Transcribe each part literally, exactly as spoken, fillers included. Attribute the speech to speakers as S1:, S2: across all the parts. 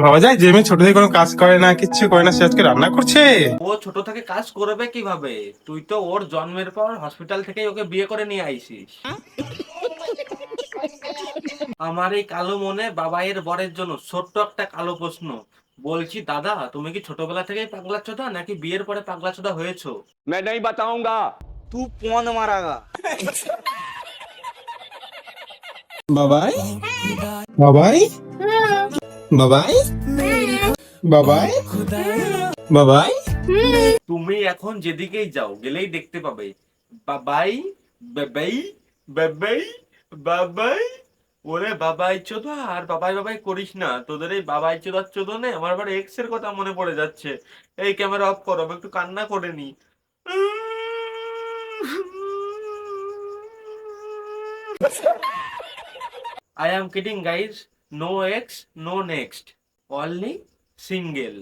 S1: ভাবা যায় যে মেয়ে ছোট থেকে কোনো কাজ করে না, কিচ্ছু করে না, সে আজকে রান্না করছে।
S2: ও ছোট থেকে কাজ করবে কিভাবে? তুই তো ওর জন্মের পর হসপিটাল থেকেই ওকে বিয়ে করে নিয়ে আইছিস। আমার এই কালো মনে বাবাইয়ের বরের জন্য ছোট্ট একটা কালো প্রশ্ন। বলছি দাদা, তুমি কি ছোটবেলা থেকেই পাগলা চোদা নাকি বিয়ের পরে পাগলা চোদা হয়েছো?
S3: मैं नहीं बताऊंगा।
S4: तू कौन मारागा?
S1: বাবাই বাবাই বাবাই বাবাই বাবাই।
S2: তুমি এখন যেদিকেই যাও গেলেই দেখতে পাবে বাবাই বাবাই বাবাই বাবাই। ওরে বাবাই চোদা, আর বাবাই বাবাই করিস না। তোদের এই বাবাই চোদার চোদনে আমার আবার এক্স এর কথা মনে পড়ে যাচ্ছে। এই ক্যামেরা অফ করো, আমি একটু কান্না করে নি। I am kidding guys. No ex, no next. Only single.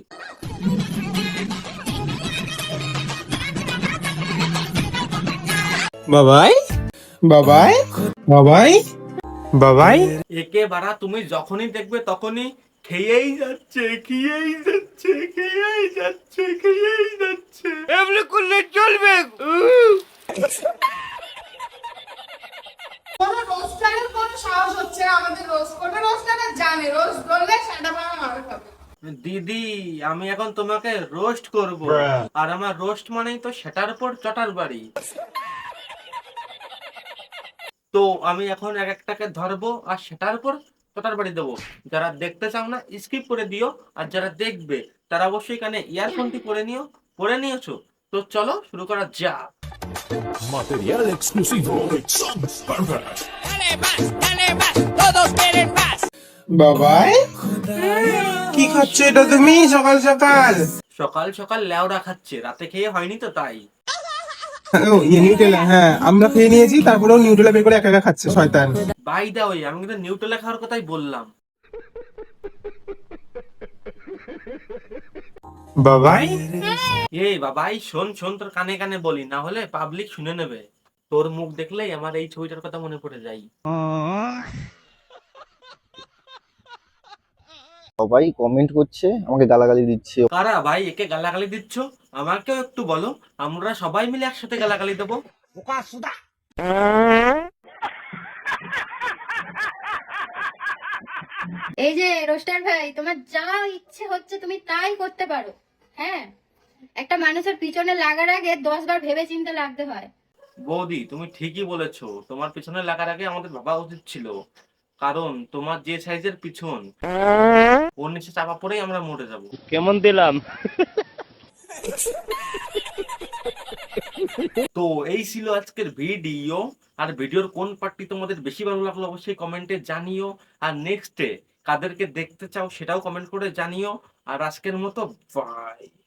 S1: বাবাই বাবাই বাবাই বাবাই।
S2: একে বাড়া তুমি যখনই দেখবে তখনই খেয়েই যাচ্ছে খেয়েই যাচ্ছে খেয়েই যাচ্ছে খেয়েই যাচ্ছে।
S4: এমনি করলে চলবে?
S5: কোনো রোস্টারের কোনো সাহস হচ্ছে না আমাদের রোস্ট করবে। রোস্টাররা জানে রোস্ট করলে সেটা পাওয়া মার খাবে।
S2: দিদি, আমি এখন তোমাকে রোস্ট করব, আর আমার রোস্ট মানেই তো সেটার উপর চটার বাড়ি। তো আমি এখন এক একটাকে ধরবো আর সেটার উপর চটার বাড়ি দেবো। যারা দেখতে চাও না স্কিপ করে দিও, আর যারা দেখবে তারা অবশ্যই কানে ইয়ারফোনটি পরে নিও। পরে নিয়েছো তো চলো শুরু করা যাক।
S6: Material exclusivo de Sons Pervert.
S1: বাবাই কি খাচ্ছ এটা তুমি সকাল সকাল?
S2: সকাল সকাল লেওড়া খাচ্ছে, রাতে খেয়ে হয়নি তো তাই।
S1: ও ইয়ে নিউটেলা, হ্যাঁ আমরা খেয়ে নিয়েছি, তারপরেও নিউটেলা বের করে একা একা খাচ্ছে শয়তান।
S2: বাই দা ওয়ে, আমি কিন্তু নিউটেলা খাওয়ার কথাই বললাম।
S1: বাবাই
S2: এই বাবাই শোন শোন, তোর কানে কানে বলি, না হলে পাবলিক শুনে নেবে। তোর মুখ দেখলেই আমার এই ছবিটার কথা মনে পড়ে যায়।
S7: সবাই কমেন্ট করছে, আমাকে গালাগালি দিচ্ছে।
S2: কারা ভাই একে গালাগালি দিচ্ছ? আমাকেও একটু বলো, আমরা সবাই মিলে একসাথে গালাগালি দেবো।
S8: এই যে রোস্টার ভাই, তোমার যা ইচ্ছে হচ্ছে তুমি তাই করতে পারো। হ্যাঁ, একটা মানুষের পিছনে লাগার আগে দশ বার ভেবে চিন্তে লাগতে হয়।
S2: বৌদি, তুমি ঠিকই বলেছো, তোমার পিছনে লাগার আগে আমাদের ভাবা উচিত ছিল। কারণ তোমার যে সাইজের পিছন, ওর নিচে চাপা পড়েই আমরা মরে যাব।
S4: কেমন দিলাম?
S2: তো এই ছিল আজকের ভিডিও। আর ভিডিওর কোন পার্টটি তোমাদের বেশি ভালো লাগলো অবশ্যই কমেন্টে জানিও। আর নেক্সটে কাদেরকে দেখতে চাও সেটাও কমেন্ট করে জানিও। আর আজকের মতো বাই।